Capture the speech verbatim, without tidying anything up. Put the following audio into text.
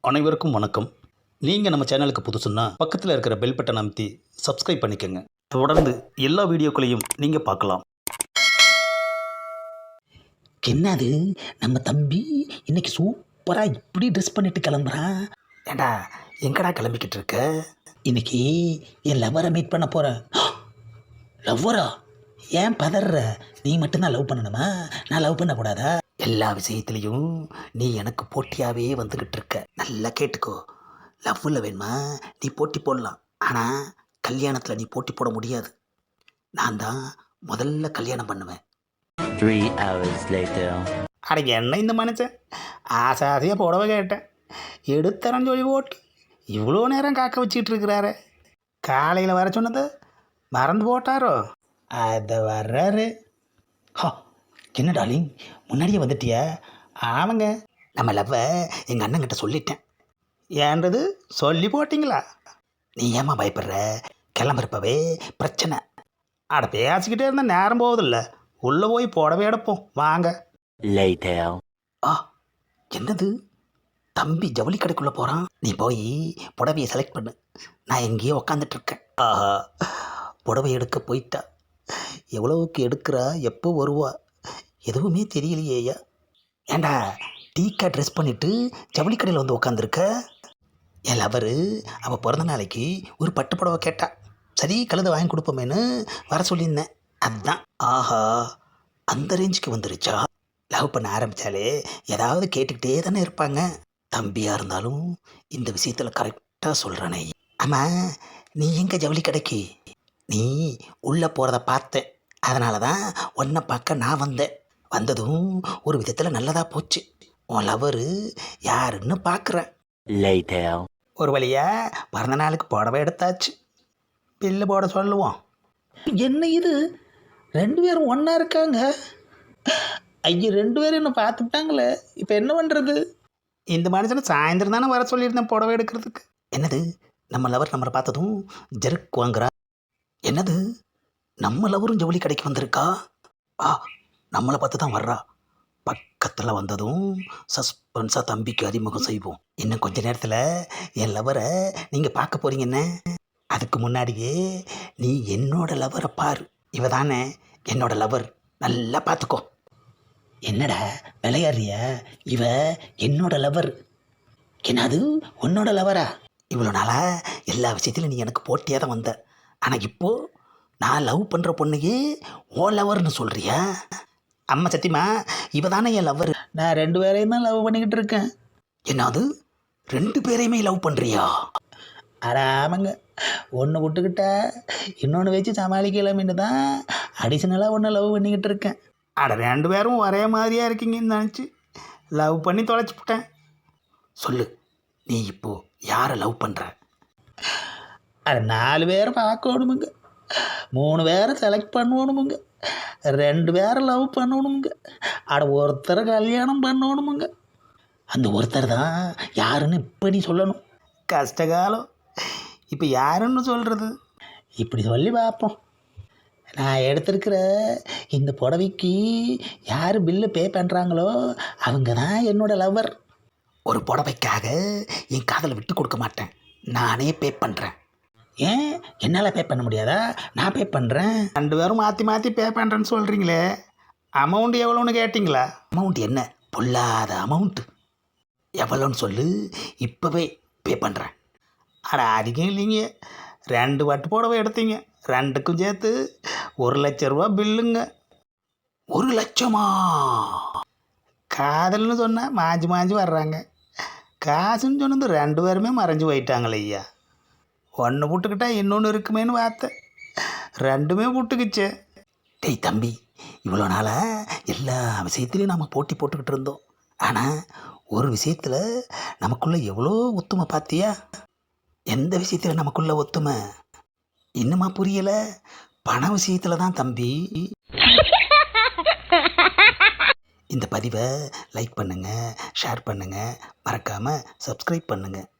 அனைவருக்கும் வணக்கம். நீங்கள் நம்ம சேனலுக்கு புதுசுன்னா பக்கத்தில் இருக்கிற பெல் பட்டன் அமைத்தி சப்ஸ்கிரைப் பண்ணிக்கோங்க. தொடர்ந்து எல்லா வீடியோக்களையும் நீங்கள் பார்க்கலாம். என்னது நம்ம தம்பி இன்னைக்கு சூப்பராக இப்படி ட்ரெஸ் பண்ணிட்டு கிளம்புறான். ஏண்டா எங்கடா கிளம்பிக்கிட்டு இருக்க? இன்னைக்கு என் லவ்வரை மீட் பண்ண போகிறேன். லவ்வரா? ஏன் பதற? நீ மட்டும்தான் லவ் பண்ணணுமா? நான் லவ் பண்ணக்கூடாதா? எல்லா விஷயத்துலையும் நீ எனக்கு போட்டியாகவே வந்துக்கிட்டு இருக்க. நல்லா கேட்டுக்கோ. லவ்வில் வேணுமா நீ போட்டி போடலாம், ஆனால் கல்யாணத்தில் நீ போட்டி போட முடியாது. நான் தான் முதல்ல கல்யாணம் பண்ணுவேன். Three hours later. அட என்ன இந்த மனுஷன் ஆசை ஆசையாக புடவை கேட்டேன், எடுத்தரன் சொல்லி போட்டு இவ்வளோ நேரம் காக்க வச்சிட்டு இருக்கிறாரு. காலையில் வர சொன்னது மறந்து போட்டாரோ? அதை வர்றாரு. ஹா, என்ன டார்லிங் முன்னாடியே வந்துட்டியா? ஆமாங்க, நம்ம லவ்வை எங்கள் அண்ணங்கிட்ட சொல்லிட்டேன். ஏன்றது சொல்லி போட்டிங்களா? நீ ஏமா பயப்படுற? கிளம்புறப்பவே பிரச்சனை. அட பேசிக்கிட்டே இருந்தால் நேரம் போகுதில்ல, உள்ளே போய் புடவை எடுப்போம் வாங்க. Later. ஆ, என்னது தம்பி ஜவுளி கடைக்குள்ளே போகிறான். நீ போய் புடவையை செலக்ட் பண்ணு, நான் எங்கேயோ உக்காந்துட்ருக்கேன். ஆஹா, புடவை எடுக்க போயிட்டா. எவ்வளவுக்கு எடுக்கிறா, எப்போ வருவா, எதுவுமே தெரியலையேயா. ஏண்டா டீக்கா ட்ரெஸ் பண்ணிவிட்டு ஜவுளி கடையில் வந்து உக்காந்துருக்க? என் லவரு அவள் பிறந்த நாளைக்கு ஒரு பட்டு புடவை கேட்டா. சரி கழுதை வாங்கி கொடுப்போமேன்னு வர சொல்லியிருந்தேன். அதுதான். ஆஹா, அந்த ரேஞ்சுக்கு வந்துருச்சா? லவ் பண்ண ஆரம்பித்தாலே ஏதாவது கேட்டுக்கிட்டே தானே இருப்பாங்க. தம்பியாக இருந்தாலும் இந்த விஷயத்தில் கரெக்டாக சொல்கிறானே. ஆமாம், நீ எங்கே ஜவுளி கடைக்கு? நீ உள்ளே போகிறத பார்த்தேன், அதனால தான் உன்னை பார்க்க நான் வந்தேன். வந்ததும் ஒரு விதத்தில் நல்லதாக போச்சு. உன் லவரு யாருன்னு பார்க்குறேன். Later. ஒரு வழியாக பிறந்த நாளுக்கு புடவை எடுத்தாச்சு, பில்லு போட சொல்லுவோம். என்ன இது, ரெண்டு பேரும் ஒன்றா இருக்காங்க? ஐயோ, ரெண்டு பேரும் என்ன பார்த்துட்டாங்களே, இப்போ என்ன பண்ணுறது? இந்த மனுஷனை சாயந்தரம் தானே வர சொல்லியிருந்தேன் புடவை எடுக்கிறதுக்கு. என்னது நம்ம லவர் நம்மளை பார்த்ததும் ஜெர்க் வாங்குறா? என்னது நம்ம லவரும் ஜவுளி கடைக்கு வந்திருக்கா? ஆ, நம்மளை பார்த்து தான் வர்றா. பக்கத்தில் வந்ததும் சஸ்பென்ஸாக தம்பிக்கு அறிமுகம் செய்வோம். இன்னும் கொஞ்ச நேரத்தில் என் லவரை நீங்கள் பார்க்க போகிறீங்கன்னு. அதுக்கு முன்னாடியே நீ என்னோட லவரை பாரு. இவ தானே என்னோட லவர், நல்லா பார்த்துக்கோ. என்னடா விளையாடுறிய? இவ என்னோட லவர். என்னது உன்னோட லவரா? இவ்வளோ நாளாக எல்லா விஷயத்திலும் நீ எனக்கு போட்டியாக தான் வந்த, ஆனால் இப்போது நான் லவ் பண்ணுற பொண்ணையே ஓ லவர்னு சொல்கிறியா? அம்மா சத்தியமா இவ தானே என் லவ்வர். நான் ரெண்டு பேரையும் தான் லவ் பண்ணிக்கிட்டு இருக்கேன். என்னது ரெண்டு பேரையுமே லவ் பண்ணுறியா? அட ஆமாங்க, ஒன்று விட்டுக்கிட்டா இன்னொன்று வச்சு சமாளிக்கலாமின்னு தான் அடிஷ்னலாக ஒன்று லவ் பண்ணிக்கிட்டு இருக்கேன். அட ரெண்டு பேரும் ஒரே மாதிரியாக இருக்கீங்கன்னு நினச்சி லவ் பண்ணி தொலைச்சிப்பிட்டேன். சொல்லு, நீ இப்போது யாரை லவ் பண்ணுற? அட நாலு பேரை பார்க்கணுமுங்க, மூணு பேரை செலக்ட் பண்ணணுமுங்க, ரெண்டு பேரை லவ் பண்ணணுமுங்க, அட ஒருத்தரை கல்யாணம் பண்ணணுமுங்க. அந்த ஒருத்தர் தான் யாருன்னு இப்போ நீ சொல்லணும். கஷ்டகாலம், இப்போ யாருன்னு சொல்கிறது? இப்படி சொல்லி பார்ப்போம். நான் எடுத்திருக்கிற இந்த புடவைக்கு யார் பில்லு பே பண்ணுறாங்களோ அவங்க தான் என்னோட லவ்வர். ஒரு புடவைக்காக என் காதலை விட்டு கொடுக்க மாட்டேன், நானே பே பண்ணுறேன். ஏன் என்னால் பே பண்ண முடியாதா? நான் பே பண்ணுறேன். ரெண்டு பேரும் மாற்றி மாற்றி பே பண்ணுறேன்னு சொல்கிறீங்களே, அமௌண்ட் எவ்வளோன்னு கேட்டிங்களா? அமௌண்ட் என்ன பொல்லாத அமௌண்ட்டு, எவ்வளோன்னு சொல்லு, இப்போவே பே பண்ணுறேன். அட அதிகம் இல்லைங்க, ரெண்டு பட்டு புடவை எடுத்தீங்க, ரெண்டுக்கும் சேர்த்து ஒரு லட்ச ரூபா பில்லுங்க. ஒரு லட்சமா? காதல்னு சொன்னால் மாஞ்சி மாஞ்சி வர்றாங்க, காசுன்னு சொன்னது ரெண்டு பேருமே மறைஞ்சு போயிட்டாங்களே ஐயா. ஒன்று புட்டுக்கிட்டா இன்னொன்று இருக்குமேனு பார்த்தேன், ரெண்டுமே புட்டுக்குச்சு. டேய் தம்பி, இவ்வளோ நாளாக எல்லா விஷயத்துலையும் நம்ம போட்டி போட்டுக்கிட்டு இருந்தோம், ஆனால் ஒரு விஷயத்தில் நமக்குள்ளே எவ்வளோ ஒத்துமை பார்த்தியா? எந்த விஷயத்தில் நமக்குள்ள ஒத்துமை இன்னுமா புரியலை? பண விஷயத்தில் தான் தம்பி. இந்த பதிவை லைக் பண்ணுங்கள், ஷேர் பண்ணுங்கள், மறக்காமல் சப்ஸ்கிரைப் பண்ணுங்கள்.